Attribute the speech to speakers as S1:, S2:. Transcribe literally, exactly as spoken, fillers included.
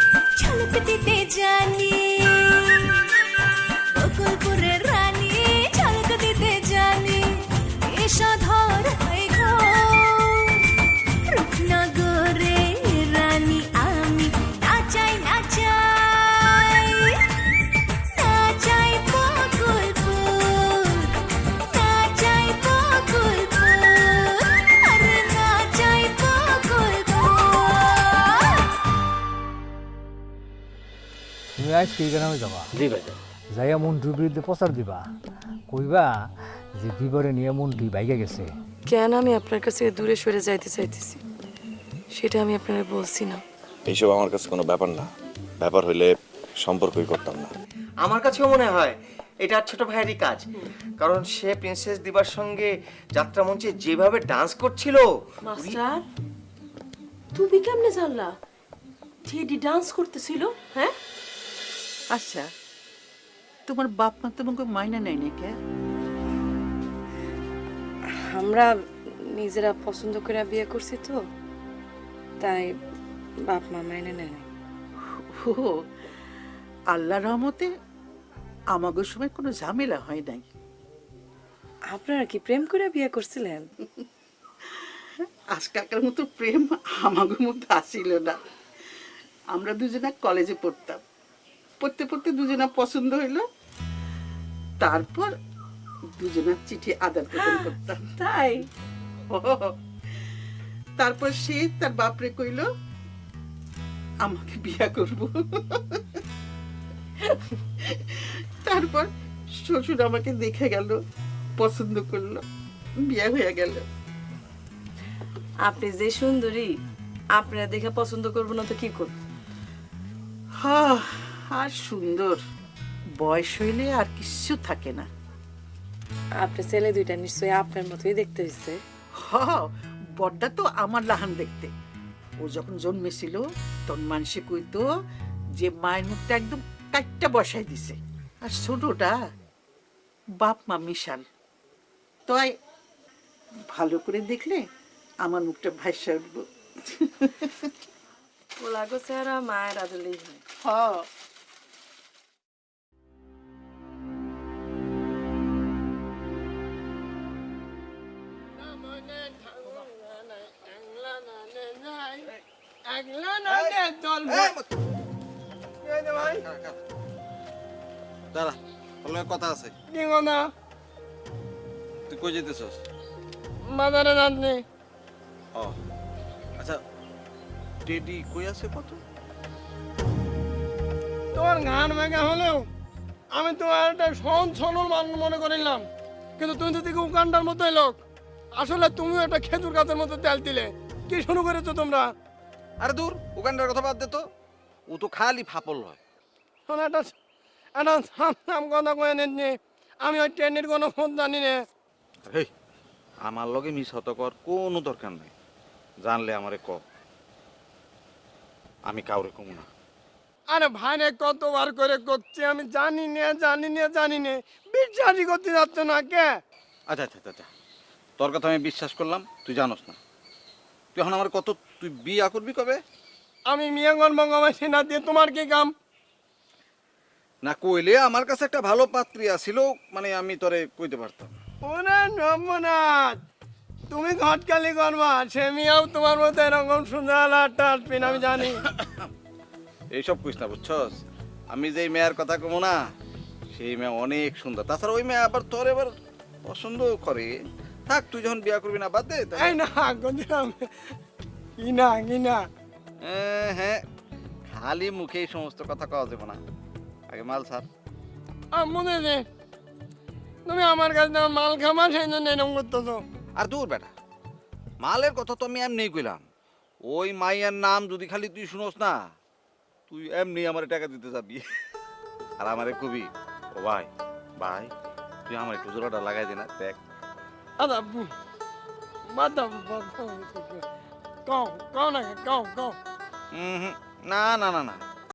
S1: ঝলক দিতে জানি বকুলপুরের রানী, ঝলক দিতে জানি এসো ধর হয়ে ঘোর রূপনগরে রানী আমি, নাচাই নাচাই নাচাই বকুলপুর, নাচাই বকুলপুর, আরে নাচাই বকুলপুর।
S2: তুমি আজ কি গ্রামে যাবা?
S3: জি ভাই।
S2: যাইয়া মন্টুর বিরুদ্ধে প্রচার দিবা, কইবা যে বিবরে নিয়ে মন্টু বাইকে গেছে।
S4: কেন আমি আপনার কাছে দূরে সরে যাইতে চাইতেছি সেটা আমি আপনারা বলছি না।
S5: এইসব আমার কাছে কোনো ব্যাপার না, ব্যাপার হইলে সম্পর্কই করতাম না।
S3: আমার কাছেও মনে হয় এটা ছোট ভাইয়েরই কাজ, কারণ সে প্রিন্সেস দিবার সঙ্গে যাত্রা মঞ্চে যেভাবে ডান্স করছিল।
S4: মাস্টার তুমি কেমনে জানলা টেডি ডান্স করতেছিল? হ্যাঁ
S6: আচ্ছা, তোমার বাপ মা তোমাকে মাইনা নেয় না কে?
S4: আমরা নিজেরা পছন্দ করে বিয়ে করছি তো, তাই বাপ মা মাইনে নেয় না।
S6: ও আল্লাহর রহমতে আমাগো সময় কোনো ঝামেলা হয় নাই।
S4: আপনারা কি প্রেম করে বিয়ে করছিলেন?
S6: আজকালকার মতো প্রেম আমাগো মধ্যে আসিল না। আমরা দুজনা কলেজে পড়তাম, পড়তে পড়তে দুজনা পছন্দ হইলো, তারপর দুজনার চিঠি আদান প্রদান করতাম।
S4: তাই
S6: ও, তারপর সে তার বাপরে কইলো আমাকে বিয়া করব। তারপর শ্বশুর আমাকে দেখে গেল, পছন্দ করলো, বিয়ে হয়ে গেল।
S4: আপনি যে সুন্দরী, আপনারা দেখে পছন্দ করবো না তো কি করব?
S6: হ্যাঁ, আর সুন্দর বয়স হইলে আর কিছু থাকে না।
S4: আপনার ছেলে দুইটা নিশ্চয়ই আপনার মতোই দেখতে হয়েছে।
S6: হ্যাঁ, বড়টা তো আমার লাহান দেখতে। ও যখন জন্মেছিল তখন মানুষে কইতো যে মায়ের মুখটা একদম কাটটা বসাই দিছে, আর ছোটটা বাপ মা মিশাল। তাই ভালো করে দেখলে আমার মুখটা ভাইসা উঠবো।
S4: ওলাগো চেহারা মায়ের আদলেই হয়।
S6: হ্যাঁ,
S7: দাঁড়া, তোর লগে কথা আছে।
S8: কি কথা?
S7: তুই কই যেতেছস?
S8: বাজারে যাচ্ছি।
S7: ও আচ্ছা, টেডি কই আছে কত?
S8: তোমার ঘাড় ভেঙে হলেও আমি তোমার একটা সহন সরল মানুষ মনে করিলাম, কিন্তু তুমি তো দেখি উকান্ডার মতোই লোক। আসলে তুমিও একটা খেজুর গাছের মতো তেল দিলে। কি শুরু করেছো তোমরা?
S7: আরে দূর, উগান্ডার কথা বাদ দে তো। ও তো খালি ফাপল হয়।
S8: শোনো, একটা একটা সাম কথা কয়ে নিচ্ছি, আমি ওই ট্রেনের কোনো ফোন জানি না।
S7: হেই, আমার লগে মিস হত কর কোনো দরকার নাই। জানলে আমারে ক, আমি কাউরে কমু না।
S8: আরে ভাইরে কতবার করে করছি, আমি জানি না জানি না জানি না, বিশ্বাসই করতে যাচ্ছ না কে?
S7: আচ্ছা আচ্ছা আচ্ছা, তোর কথা আমি বিশ্বাস করলাম, তুই জানোস না। তুই এখন আমার কত, তুই বিয়া করবি কবে?
S8: আমি মিয়াঙ্গন বঙ্গমাসি না দিয়ে তোমার কি কাম?
S7: না কইলে আমার কাছে একটা ভালো পাত্রী আছিল, মানে আমি তোরে কইতে পারতাম।
S8: ওরে নমনাথ, তুমি ঘটকালি করবা, সে মিয়াও তোমার মতো এরকম সুন্দর একটা আসবেন আমি জানি।
S7: এইসব কইস না, বুঝছস? আমি যেই মেয়ের কথা কমু না, সেই মেয়ে অনেক সুন্দর। তাছাড়া ওই মেয়ে আবার তোর এবার পছন্দ করে। থাক, তুই যখন বিয়া করবি না, বাদ দে।
S8: এই না গদিরাম, কি না কি না,
S7: হ্যাঁ হ্যাঁ, খালি মুখে এই সমস্ত কথা কওয়া যাবে না। আগে মাল ছাড়।
S8: মনে যে তুমি আমার কাছে যেমন মাল খামা, সেই জন্য এরকম করতেছো।
S7: আর দূর বেটা, মালের কথা তো আমি এমনি কইলাম। ওই মাইয়ার নাম যদি খালি তুই শুনোস না, তুই এমনি আমার টাকা দিতে যাবি। আর আমারে কবি, ও ভাই ভাই তুই আমার একটু জোড়াটা লাগাই দে না, দেখ।
S8: আচ্ছা বাদাম কও কও না কও কও।
S7: হুম হুম, না না না না,